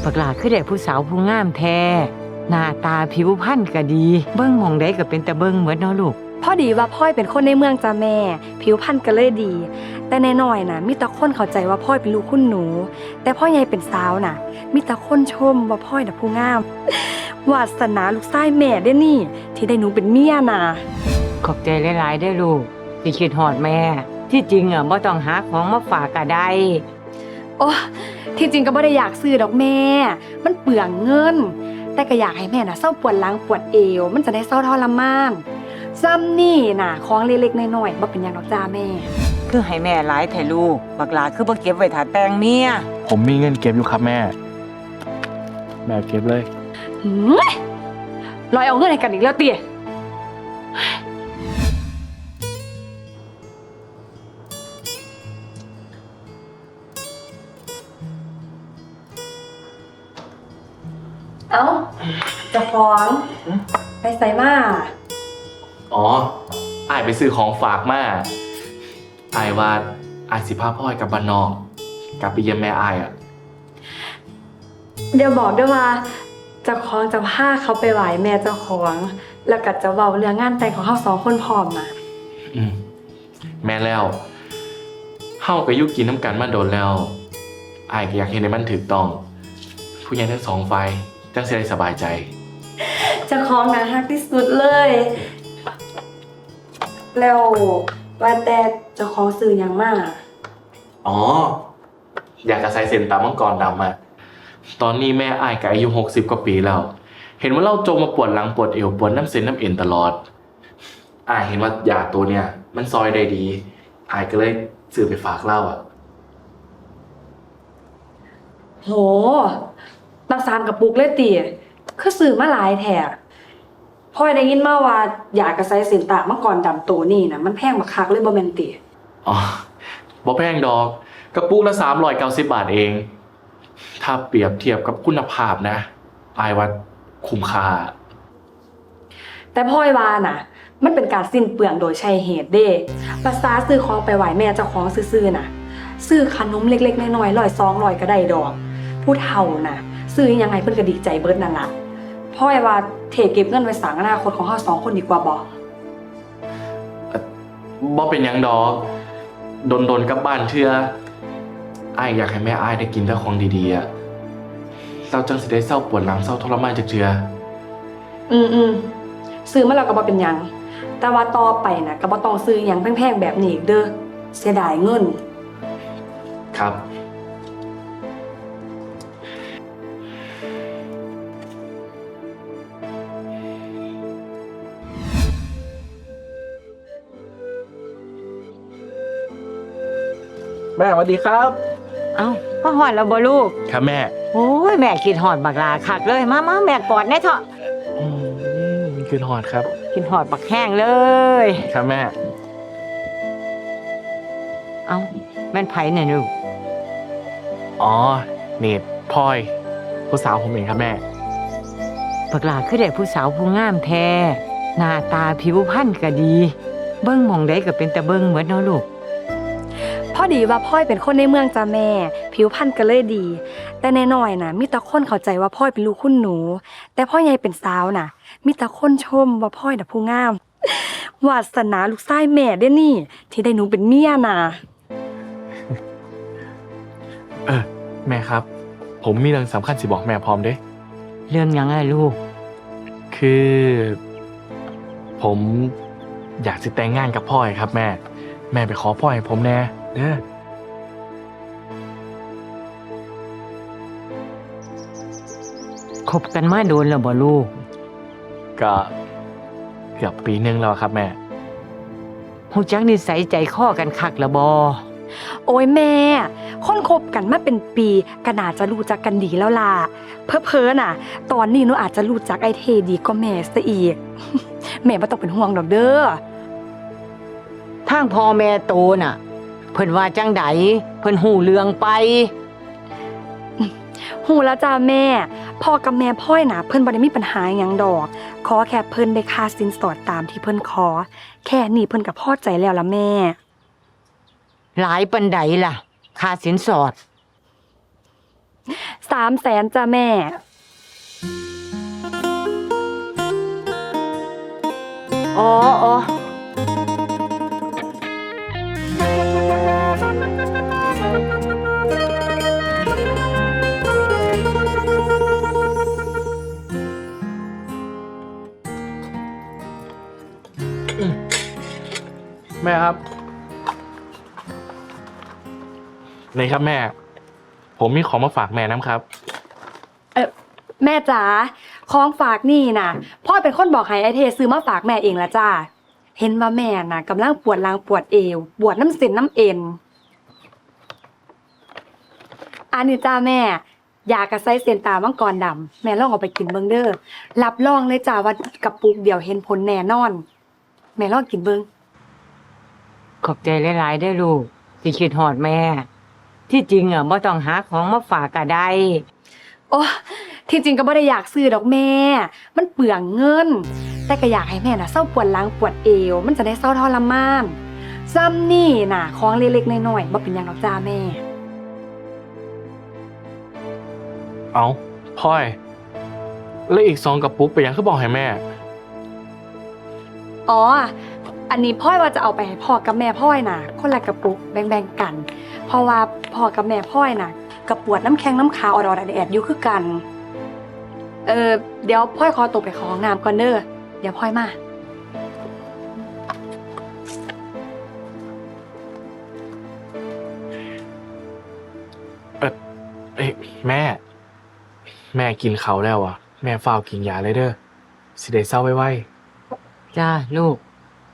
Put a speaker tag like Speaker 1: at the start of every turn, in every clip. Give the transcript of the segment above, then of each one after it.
Speaker 1: บักหลาคือได้ผู้สาวผู้งามแท้หน้าตาผิวพรรณก็ดีเบิ่งหม่องใดก็เป็นตะเบิ่งเหมือนเนาะลูก
Speaker 2: พอดีว่าพ่อยเป็นคนในเมืองจ้าแม่ผิวพรรณก็เลยดี แต่แน่น้อยน่ะมีแต่คนเข้าใจว่าพ่อยเป็นลูกคุณหนู แต่พ่อใหญ่เป็นสาวน่ะมีแต่คนชมว่าพ่อยน่ะผู้งามวาสนาลูกชายแม่เด้นี่ที่ได้หนูเป็นเมียน่ะ
Speaker 1: ขอบใจหลายๆเด้อลูกที่คิดฮอดแม่ที่จริงบ่ต้องหาของมาฝากก็ได้
Speaker 2: โอ้ที่จริงก็บ่ได้อยากซื้อดอกแม่มันเปลืองเงินแต่ก็อยากให้แม่น่ะเศร้าปวดหลังปวดเอวมันจะได้เศร้าทรมานซ้ำนี่น่ะของเล็กๆน้อยๆบ่เป็นหยังดอกจ้าแม่
Speaker 1: คือให้แม่หลายแท้ลูกบักหลาคือบ่เก็บไว้ถ้าแต่งเมีย
Speaker 3: ผมมีเงินเก็บอยู่ครับแม่เก็บเลย
Speaker 2: ลอยเอาเงินให้กันอีกแล้วเตี๋ยเอ้าจะฟ้องไปใส่มา
Speaker 3: อ๋ออ้ายไปซื้อของฝากมาอ้ายว่าอ้ายสิพาพ่อยกลับบ้านนอกกลับไปเยี่ยมแม่อ้าย
Speaker 2: เดี๋ยวบอกด้วยว่าเจ้าของจะพาเขาไปไหว้แม่เจ้าของแล้วก็จะเว้าเรื่องงานแต่งของเขา2 คนพร้อมนะ
Speaker 3: แม่แล้วเฮาก็อยู่กินน้ำกันมาโดนแล้วอ้ายก็อยากเห็นให้มันถูกต้องผู้ใหญ่ทั้ง2ฝ่ายจังสิได้สบายใจ
Speaker 2: เจ้าของน่ารักที่สุดเลยแล้วว่าแต่เจ้าของซื้อหยังมา
Speaker 3: อ๋ออยากจะใส่เส้นตามังกรดำอะตอนนี้แม่อ้ายก็อายุ60 กว่าปีแล้วเห็นว่าเราจมมาปวดหลังปวดเอวปวดน้ำเส้นน้ำเอ็นตลอดอ้ายเห็นว่ายาตัวเนี้ยมันซอยได้ดีอ้ายก็เลยซื้อไปฝากเล่าอะ
Speaker 2: โหตั้ง3 กระปุกเลยติคือซื้อมาหลายแท้พ่อยได้ยินมาว่าอยากกระใส่เส้นตามังกรดำตัวนี้นะมันแพงบักคักเลยบ่แม่นติ
Speaker 3: อ๋อบ่แพงดอกกระปุกละ390 บาทเองถ้าเปรียบเทียบกับคุณภาพนะอายว่าคุ้มค่า
Speaker 2: แต่พ่อยว่าน่ะมันเป็นการสิ้นเปลืองโดยใช่เหตุเด้ภาษาซื้อของไปไหว้แม่เจ้าของซื่อๆน่ะซื้อขนมเล็กๆน้อยๆ100 200ก็ได้ดอกผู้เฒ่าน่ะซื้อยังไงเพิ่นก็ดีใจเบิดนั่นล่ะพ่อยว่าเทเก็บเงินไว้สร้างอนาคตของเฮา2 คนดีกว่าบ่
Speaker 3: เป็นหยังดอกดนๆกลับบ้านเทื่ออ้ายอยากให้แม่อ้ายได้กินแต่ของดีๆอ่ะเราจังสิได้เศร้าปวดหลังเศร้าทรมานจักเทื่อ
Speaker 2: ซื้อมาแล้วก็บ่เป็นหยังแต่ว่าต่อไปน่ะก็บ่ต้องซื้อหยังแพงๆแบบนี้อีกเด้อเสียดายเงิน
Speaker 3: ครับแม่สวัสดีครับ
Speaker 1: เอ้าพ่อฮอดแล้วบ่ลูก
Speaker 3: ครับแม่
Speaker 1: โอ้ยแม่คิดฮอดบักหลาคักเลยมาแม่กอดแน่เถอะ
Speaker 3: คิดฮอดครับ
Speaker 1: คิดฮอดบักแห้งเลย
Speaker 3: ครับแม่
Speaker 1: เอ้าแม่นไผเนี่ยลูก
Speaker 3: อ๋อเนตพลอยผู้สาวผมเองครับแม่
Speaker 1: บักหลาคือได้ผู้สาวผู้งามแท้หน้าตาผิวพรรณก็ดีเบิ่งหม่องใดก็เป็นตะเบิ่งเหมือนเนาะลูก
Speaker 2: พอดีว่าพ่อยเป็นคนในเมืองจ้าแม่ผิวพรรณก็เลยดีแต่แน่น้อยน่ะมีแต่คนเข้าใจว่าพ่อยเป็นลูกคุณหนูแต่พ่อใหญ่เป็นสาวน่ะมีแต่คนชมว่าพ่อยน่ะผู้งามวาสนาลูกชายแม่เด้นี่ที่ได้หนูเป็นเมียน่ะ
Speaker 3: แม่ครับผมมีเรื่องสำคัญสิบอกแม่พร้อมเด้
Speaker 1: เรื่องหยังไงลูก
Speaker 3: คือผมอยากสิแต่งงานกับพ่อยครับแม่ไปขอพ่อให้ผมแน่เด้อ
Speaker 1: คบกันมาโดนแล้วบ่ลูก
Speaker 3: ก็เกือบปีนึงแล้วครับแม่
Speaker 1: ฮู้จักนิสัยใจคอกันคักละบ่
Speaker 2: โอ้ยแม่คนคบกันมาเป็นปีก็น่าจะรู้จักกันดีแล้วล่ะเพ้อๆน่ะตอนนี้หนูอาจจะรู้จักไอ้เทดีกว่าแม่ซะอีกแม่บ่ต้องเป็นห่วงดอกเด้อ
Speaker 1: ทางพ่อแม่โตน่ะเพิ่นว่าจังใดเพิ่นฮู้เรื่องไป
Speaker 2: ฮู้แล้วจ้าแม่พ่อกับแม่พ่อยน่ะเพิ่นบ่ได้มีปัญหาหยังดอกขอแค่เพิ่นได้ค่าสินสอดตามที่เพิ่นขอแค่นี้เพิ่นก็พอใจแล้วล่ะแม่
Speaker 1: หลายปานใดล่ะค่าสินสอด
Speaker 2: 300,000จ้ะแม่
Speaker 1: อ๋ออ๋อ
Speaker 3: แม่ครับนี่ครับแม่ ผมมีของมาฝากแม่น้ำครับ
Speaker 2: แม่จ๋าของฝากนี่นะพ่อเป็นคนบอกให้ไอเทซื้อมาฝากแม่เองละจ้าเห็นว่าแม่น่ะกำลังปวดหลังปวดเอวปวดน้ำเส้นน้ำเอ็นอันนี้จ้าแม่ยากระไซเซนตามังกรดำแม่ลองเอาไปกินเบิ่งเด้อรับรองเลยจ้าว่ากระปุกเดียวเห็นผลแน่นอน แม่ลองกินเบิ่ง
Speaker 1: ขอบใจหลายๆเด้อลูกที่คิดฮอดแม่ ที่จริงอ่ะบ่ต้องหาของมาฝากก็ได้
Speaker 2: โอ้ที่จริงก็ไม่ได้อยากซื้อดอกแม่ มันเปลืองเงิน แต่ก็อยากให้แม่น่ะเศร้าปวดหลังปวดเอว มันจะได้เศร้าทรมานซ้ำนี่น่ะของเล็กๆน้อยๆบ่เป็นหยังดอกจ้าแม่
Speaker 3: เอาพ่อยแล้วอีก2 กระปุกไปยังคือบอกให้แม่
Speaker 2: อ๋อ อันนี้พ่อยว่าจะเอาไปให้พ่อกับแม่พ่อยน่ะ คนละกระปุกแบ่งๆกัน เพราะว่าพ่อกับแม่พ่อยน่ะกระปวดน้ำแข็งน้ำขาวอดๆแอดๆอยู่คือกัน เดี๋ยวพ่อยขอตัวไปเข้าห้องน้ำก่อนเด้อ เดี๋ยวพ่อยมา
Speaker 3: เอ้ยแม่ แม่กินเขาวแล้วอ่ะ แม่ฝ้าวกินยาเลยเด้อสิได้เศร้าไว้
Speaker 1: จ้าลูก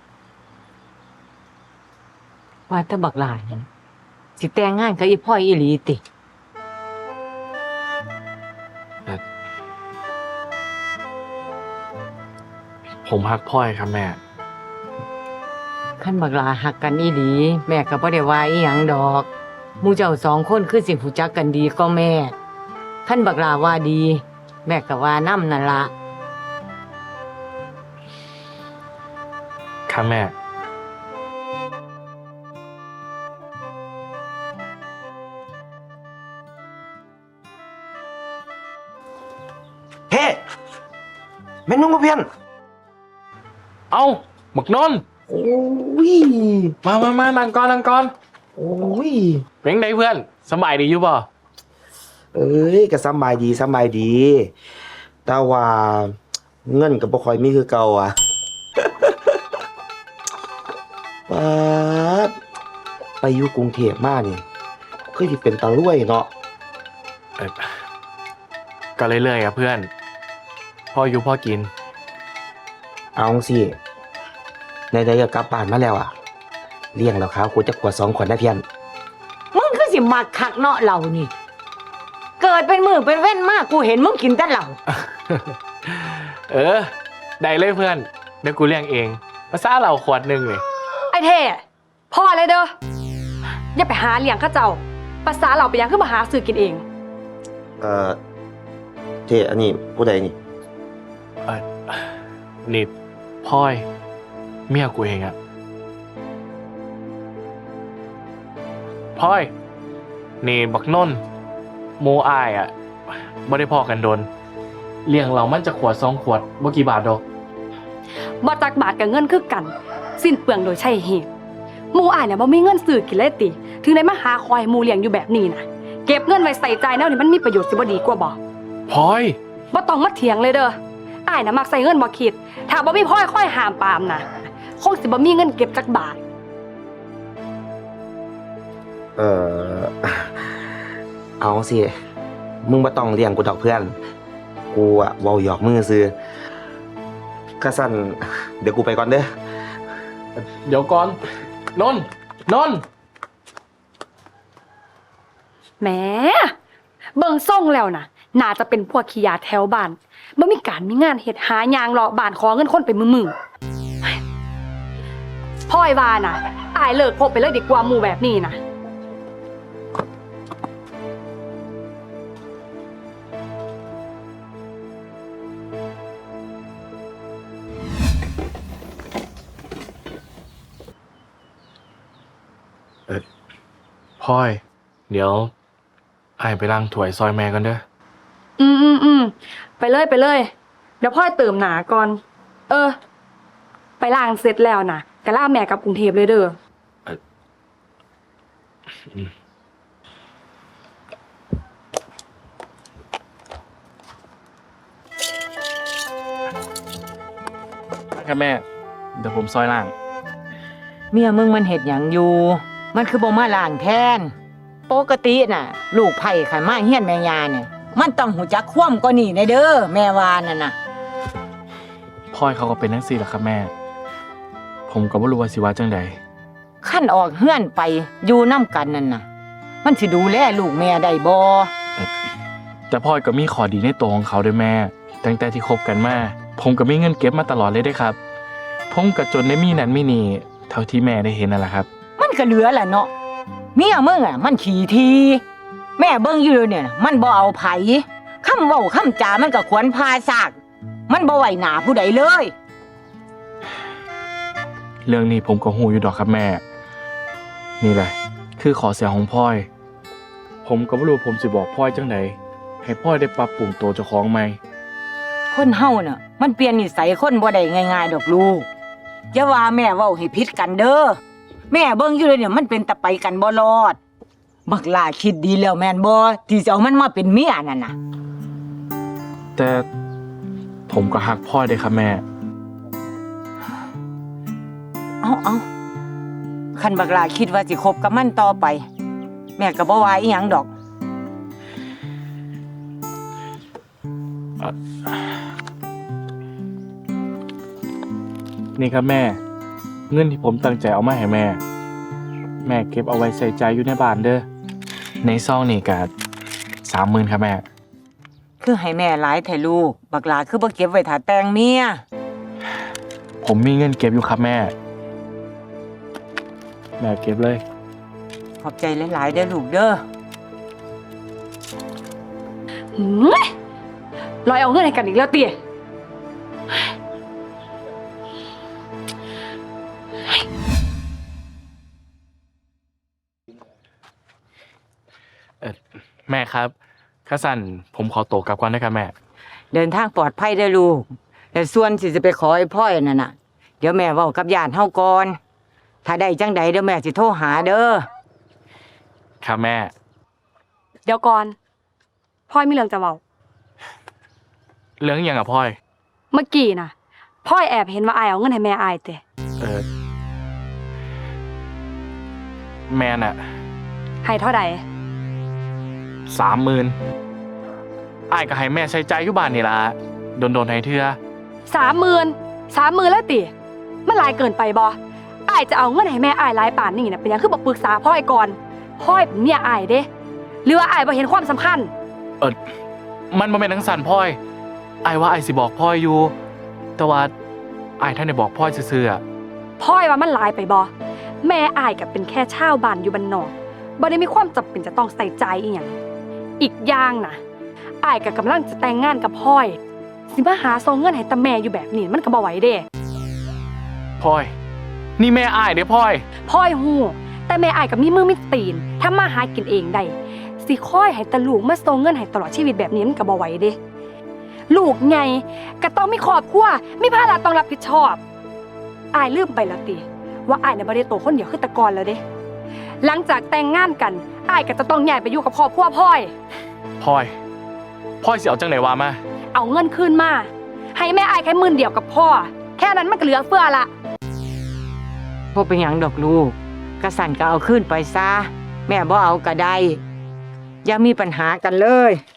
Speaker 1: ว่าแตะบักหลายนั่นสิแต่งงานกับอีพ่อยอีหลีติ
Speaker 3: ผมฮักพ่อยครับแม่
Speaker 1: คันบักหลาหักกันอีหลี แม่ก็บ่ได้ว่าอีหยังดอกหมู่เจ้า2 คนคือสิรู้จักกันดีก็แม่คันบักหลาว่าดี แม่ก็ว่านำนั่นล่ะ
Speaker 3: ครับแม่
Speaker 4: เฮ้แม่นุ่งกับเพี้ยน
Speaker 3: เอ้าบักนนท์
Speaker 4: โอ้ย
Speaker 3: มานั่งก่อน
Speaker 4: โอ้ย
Speaker 3: เป็นไงเพื่อนสบายดีอยู่บ่
Speaker 4: เอ้ยก็สำบายดีสำบายดี แต่ว่าเงินก็บ่ค่อยมีคือเก่าอ่ะ ป๊าดไปอยู่กรุงเทพมานี่คือสิเป็นตารวยเนาะ
Speaker 3: เอ่อก็เรื่อยๆอ่ะเพื่อน พ่ออยู่พ่อกิน
Speaker 4: เอาสิในใดๆก็กลับบ้านมาแล้วอ่ะ เลี้ยงแล้วครับกูจะขวด2 ขวดนะเพี้ยน
Speaker 1: มึงคือสิมักคักเนาะเหล่านี่ เกิดเป็นมือเป็นเว้นมากกูเห็นมึงกินแต่เหล่า
Speaker 3: เออ ได้เลยเพื่อน เดี๋ยวกูเลี้ยงเองภาษาเราขวดหนึ่งเลย
Speaker 2: ไอ้เท่พ่อเลยเด้อ อย่าไปหาเลี้ยงข้าเจ้า ภาษาเราไปยังขึ้นมาหาซื้อกินเอง
Speaker 4: เท่อันนี้ผู้ใดนี่
Speaker 3: นี่พ่อยเมียกูเองอะพ่อย นี่บักนนท์โมอายอะไม่ได้พอกันโดน เลี้ยงเรามันจะขวด2 ขวดบ่กี่บาทดอก
Speaker 2: บ่จักบาทกับเงินคือกัน สิ้นเปลืองโดยใช่เหตุหมู่อ้ายเนี่ยบ่มีเงินซื้อกินเลยติ ถึงได้มาหาคอยหมู่เลี้ยงอยู่แบบนี้นะเก็บเงินไว้ใส่ใจแนวนี่มันมีประโยชน์สิบ่ดีกว่าบ่
Speaker 3: พ่อย
Speaker 2: บ่ต้องมาเถียงเลยเด้ออ้ายน่ะมักใส่เงินบ่คิด ถ้าบ่มีพ่อยค่อยห้ามปรามนะคงสิบ่มีเงินเก็บจักบาท
Speaker 4: เออ เอาสิ มึงบ่ต้องเลี้ยงกูดอกเพื่อน กูอะเว้าหยอกมือซื้อก็สั่นเดี๋ยวกูไปก่อนเด้อ
Speaker 3: เดี๋ยวก่อน นนท์
Speaker 2: แหมเบิ่งส่งแล้วน่ะ น่าจะเป็นพวกขี้ยาแถวบ้านบ่มีการมีงานเฮ็ดหายางเลาะบ้านขอเงินคนไปมือๆพ่อยว่าน่ะอายเลิกคบไปเลยดีกว่าหมู่แบบนี้นะ
Speaker 3: พ่อย เดี๋ยวไอ้ายไปล้างถ้วยซอยแม่กันเด้อ
Speaker 2: ไปเลยไปเลย เดี๋ยวพ่อยเติมหนาก่อน ไปล้างเสร็จแล้วนะก็ล่าแม่กลับกรุงเทพเลยเด้อ
Speaker 3: ครับแม่ เดี๋ยวผมซอยล่าง
Speaker 1: เมียมึงมันเฮ็ดหยังอยู่ มันคือบ่มาล้างแทน ปกติน่ะ ลูกไผ่ขันมาเฮียนแม่ยาเนี่ยมันต้องหูจักคว่ำกว่านี่ในเด้อแม่ว่านั่นน่ะ
Speaker 3: พ่อยเขาก็เป็นทั้งสี่แหละครับแม่ ผมก็บ่รู้ว่าสิว่าจังใด
Speaker 1: ขั้นออกเฮือนไปอยู่น้ำกันนั่นน่ะ มันสิดูแลลูกแม่ได้บ่
Speaker 3: แต่พ่อยก็มีข้อดีในตัวของเขาด้วยแม่ ตั้งแต่ที่คบกันมา ผมก็มีเงินเก็บมาตลอดเลยเด้ครับ ผมก็จนได้มีนั่นมีนี่เท่าที่แม่ได้เห็นนั่นแหละครับ
Speaker 1: มันก็เหลือแหละเนาะเมียมึงอ่ะมันขี้ทีแม่เบิ่งอยู่เนี่ยน่ะมันบ่เอาไผคำเว้าคำจามันก็ขวนพาซากมันบ่ไหวหน้าผู้ใดเลย
Speaker 3: เรื่องนี้ผมก็หูอยู่ดอกครับแม่ นี่แหละ คือขอเสียของพ่อย ผมก็บ่รู้ผมสิบอกพ่อยจังใดให้พ่อยได้ปรับปรุงตัวเจ้าของใหม่
Speaker 1: คนเฮาน่ะมันเปลี่ยนนิสัยคนบ่ได้ง่ายๆดอกลูกอย่าว่าแม่เว้าให้ผิดกันเด้อแม่เบิ่งอยู่เลยเนี่ยมันเป็นตะไปกันบ่รอดบักหลาคิดดีแล้วแม่นบ่ที่สิเอามันมาเป็นเมียนั่นน่ะ
Speaker 3: แต่ผมก็ฮักพ่อยเด้ครับแม่
Speaker 1: เอาคันบักหลาคิดว่าสิคบกับมันต่อไป แม่ก็บ่ว่าอีหยังดอก
Speaker 3: นี่ครับแม่ เงินที่ผมตั้งใจเอามาให้แม่ แม่เก็บเอาไว้ใส่ใจอยู่ในบ้านเด้อ ในซองนี่ก็30,000ครับแม่
Speaker 1: คือให้แม่หลายแท้ลูกบักหลาคือบ่เก็บไว้ถ้าแต่งเมีย
Speaker 3: ผมมีเงินเก็บอยู่ครับแม่ แม่เก็บเลย
Speaker 1: ขอบใจหลายๆเด้อลูกเด้อ
Speaker 2: ลอยเอาเงินให้กันอีกแล้วเตี๋ย
Speaker 3: แม่ครับข้าสั่นผมขอตัวกลับก่อนนะครับแม่
Speaker 1: เดินทางปลอดภัยเด้อลูกแต่ส่วนสิจะไปขอไอ้พ่อยนั่นน่ะเดี๋ยวแม่เว้ากับญาติเฮาก่อนถ้าได้จังใดเดี๋ยวแม่สิโทรหาเด้อ
Speaker 3: ครับแม่
Speaker 2: เดี๋ยวก่อนพ่อยมีเรื่องจะเว้า
Speaker 3: เรื่องหยังอ่ะพ่อย
Speaker 2: เมื่อกี้น่ะพ่อยแอบเห็นว่าอายเอาเงินให้แม่อายเตะ
Speaker 3: แม่น่ะ
Speaker 2: ให้เท่าใด
Speaker 3: 30,000อ้ายก็ให้แม่ใช้ใจอยู่บ้านนี่ล่ะโดนๆให้เทื่อ
Speaker 2: 30,000แล้วติมันหลายเกินไปบ่อายจะเอาเงินให้แม่อายหลายป่านนี่น่ะเป็นหยังคือบ่ปรึกษาพ่อยก่อนพ่อยเป็นเมียอายเด้หรือว่าอายบ่เห็นความสำคัญ
Speaker 3: มันบ่แม่นทั้งสั่นพ่อยอ้ายว่าอ้ายสิบอกพ่อยอยู่ แต่ว่าอ้ายท่านได้บอกพ่อยซื่อๆอะ
Speaker 2: พ่อยว่ามันหลายไปบ่แม่อายก็เป็นแค่ชาวบ้านอยู่บ้านนอกบ่ได้มีความจำเป็นจะต้องใส่ใจอีหยังอีกอย่างน่ะอายก็กำลังจะแต่งงานกับพ่อยสิมาหาส่งเงินให้ตาแม่อยู่แบบนี้มันก็บ่ไหวเด้
Speaker 3: พ่อย นี่แม่อ้ายเด้พ่อย
Speaker 2: พ่อยฮู้แต่แม่อายก็มีมือมีตีนทำมาหากินเองได้สิคอยให้ตาลูกมาส่งเงินให้ตลอดชีวิตแบบนี้มันก็บ่ไหวเด้ลูกไงก็ต้องมีครอบครัวมีภาระต้องรับผิดชอบอายลืมไปแล้วติว่าอายน่ะบ่ได้โตคนเดียวคือแต่ก่อนแล้วเด้หลังจากแต่งงานกันอายก็จะต้องย้ายไปอยู่กับครอบครัวพ่อย
Speaker 3: พ่อยสิเอาจังไหนวะมา
Speaker 2: เอาเงินคืนมาให้แม่อายแค่10,000เดียวกับพ่อแค่นั้นมันก็เหลือเฟือละ
Speaker 1: บ่เป็นหยังดอกลูกกระสันก็เอาขึ้นไปซะแม่บ่เอาก็ได้อย่ามีปัญหากันเลย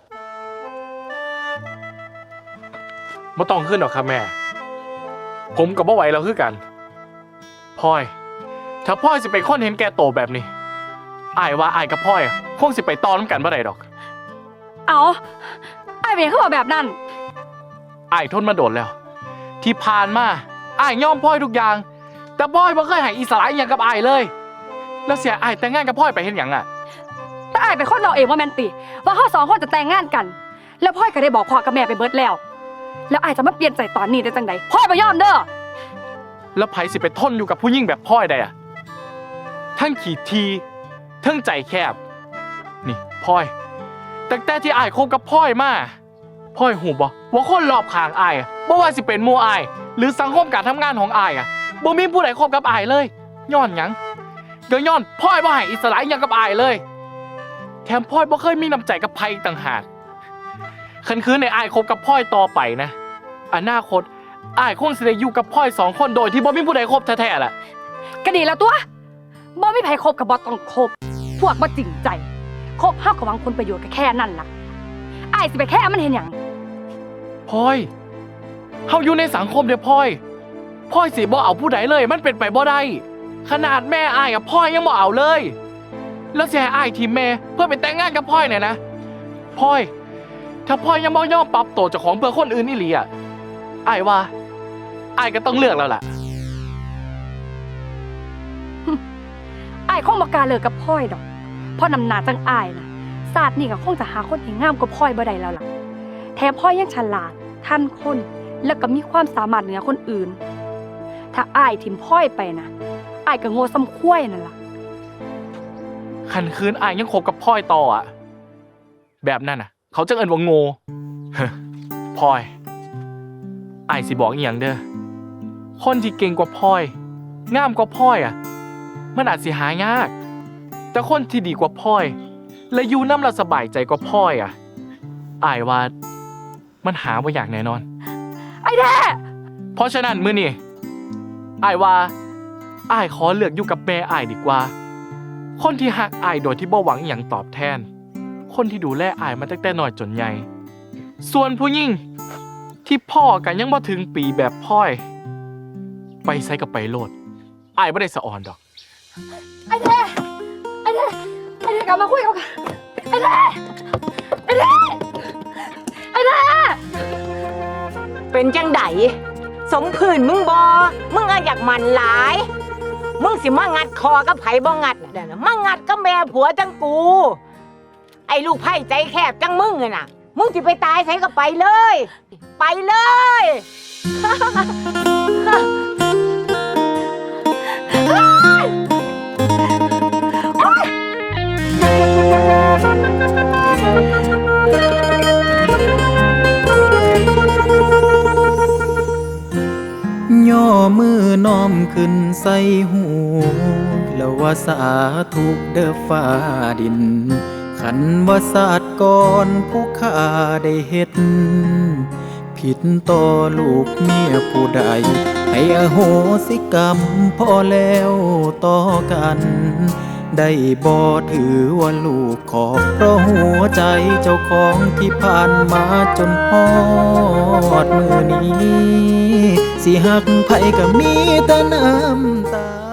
Speaker 3: บ่ต้องขึ้นหรอกครับแม่ ผมกับบ่ไหวแล้วคือกันพ่อย ถ้าพ่อยสิเป็นคนเห็นแก่โตแบบนี้อ้ายว่าอ้ายกับพ่อยคงสิไปต่อนำกันบ่ได้ดอก
Speaker 2: เอาอายเป็นหยังคือบอกแบบนั้น
Speaker 3: อ้ายทนมาโดนแล้ว ที่ผ่านมาอ้ายยอมพ่อยทุกอย่าง แต่พ่อยบ่เคยให้อิสระอหย่างกับอ้ายเลย แล้วเสียอ้ายแต่งงานกับพ่อยไปเฮ็ดหยังอ่ะ
Speaker 2: แต่อายเป็นคนเราเองว่าแมนติว่าเขาสองคนจะแต่งงานกัน แล้วพ่อยก็ได้บอกพ่อกับแม่ไปเบิดแล้ว แล้วอายจะมาเปลี่ยนใจตอนนี้ได้จังไดพ่อยบ่ยอมเด้อ
Speaker 3: แล้วไผสิไปทนอยู่กับผู้หญิงแบบพ่อยได้อ่ะทั้งขี้ทีทั้งใจแคบ นี่พ่อยตั้งแต่ที่อ้ายคบกับพ่อยมาพ่อยหูบ่ว่าคนรอบข้างอ้ายบ่ว่าสิเป็นหมู่อ้ายหรือสังคมการทำงานของอ้ายบ่มีผู้ใดคบกับอ้ายเลยย้อนหยังก็ย้อนพ่อยบ่ให้อิสระอิหยังกับอ้ายเลยแถมพ่อยบ่เคยมีน้ำใจกับไผอีกต่างหากคันคืนในอ้ายคบกับพ่อยต่อไปนะอนาคตอ้ายคงสิได้อยู่กับพ่อย2คนโดยที่บ่มีผู้ใดคบแท้ๆแหละ
Speaker 2: ก็ดีแล้วตัวบ่มีไผคบกับบ่ต้องคบพวกบ่จริงใจคบเฮาก็หวังผลประโยชน์ก็แค่นั้นล่ะอ้ายสิไปแค่มันเห็นหยัง
Speaker 3: พลอยเฮาอยู่ในสังคมเด้อพลอยพลอยสิบ่เอาผู้ใดเลยมันเป็นไปบ่ได้ขนาดแม่อ้ายกับพลอยยังบ่เอาเลยแล้วสิให้อ้ายทีมแม่เพื่อไปแต่งงานกับพลอยเนี่ยนะพลอยถ้าพลอยยังบ่ยอมปรับตัวเจ้าของเพื่อคนอื่นอีหลีอ้ายว่าอ้ายก็ต้องเลือกแล้วล่ะ
Speaker 2: อ้ายคงบ่กล้าเลิกกับพ่อยดอกเพราะนำหน้าจังอ้ายน่ะศาสตร์นี่ก็คงจะหาคนที่งามกว่าพ่อยบ่ได้แล้วล่ะแถมพ่อยยังฉลาดทันคนแล้วก็มีความสามารถเหนือคนอื่นถ้าอ้ายทิมพ่อยไปนะอ้ายก็โง่ซ้ำคุ้ยนั่นล่ะ
Speaker 3: คันคืนอ้ายยังคบกับพลอยต่อแบบนั้นเขาจะเอิ้นว่าโง่ พลอยอ้ายสิบอกอีหยังเด้อคนที่เก่งกว่าพลอยงามกว่าพลอยมันอาจสิหายากแต่คนที่ดีกว่าพลอยและอยู่นำเราสบายใจกว่าพลอยอ้ายว่ามันหาบ่ยากแน่นอน
Speaker 2: ไอ้แท้
Speaker 3: เพราะฉะนั้นมื้อนี้อ้ายว่าอ้ายขอเลือกอยู่กับแม่อ้ายดีกว่าคนที่ฮักอ้ายโดยที่บ่หวังอิหยังตอบแทนคนที่ดูแลอ้ายมาตั้งแต่น้อยจนใหญ่ส่วนผู้หญิงที่พ่อกันยังบ่ถึงปีแบบพลอยไปไสกับไปโลดอ้ายบ่ได้สะอ่อนดอก
Speaker 2: ไอ้แท้กลับมาคุยกันไอ้แท้
Speaker 1: เป็นจังไดสมผื่นมึงบ่มึงอยากมันหลายมึงสิมางัดคอกับไผบ่งัดน่ะมางัดกับแม่ผัวจังกูไอ้ลูกไผ่ใจแคบจังมึงน่ะมึงสิไปตายไสก็ไปเลยไปเลย
Speaker 5: ย่อมือน้อมขึ้นใส่หูแล้วว่าสาธุเด้อฟ้าดินขันว่าศาสตร์ก่อนผู้ข้าได้เฮ็ดผิดต่อลูกเมียผู้ใดให้อโหสิกรรมพอแล้วต่อกันได้บ่ถือว่าลูกขอเพราะหัวใจเจ้าของที่ผ่านมาจนฮอดมือนี้สิหักไผก็มีแต่น้ำตา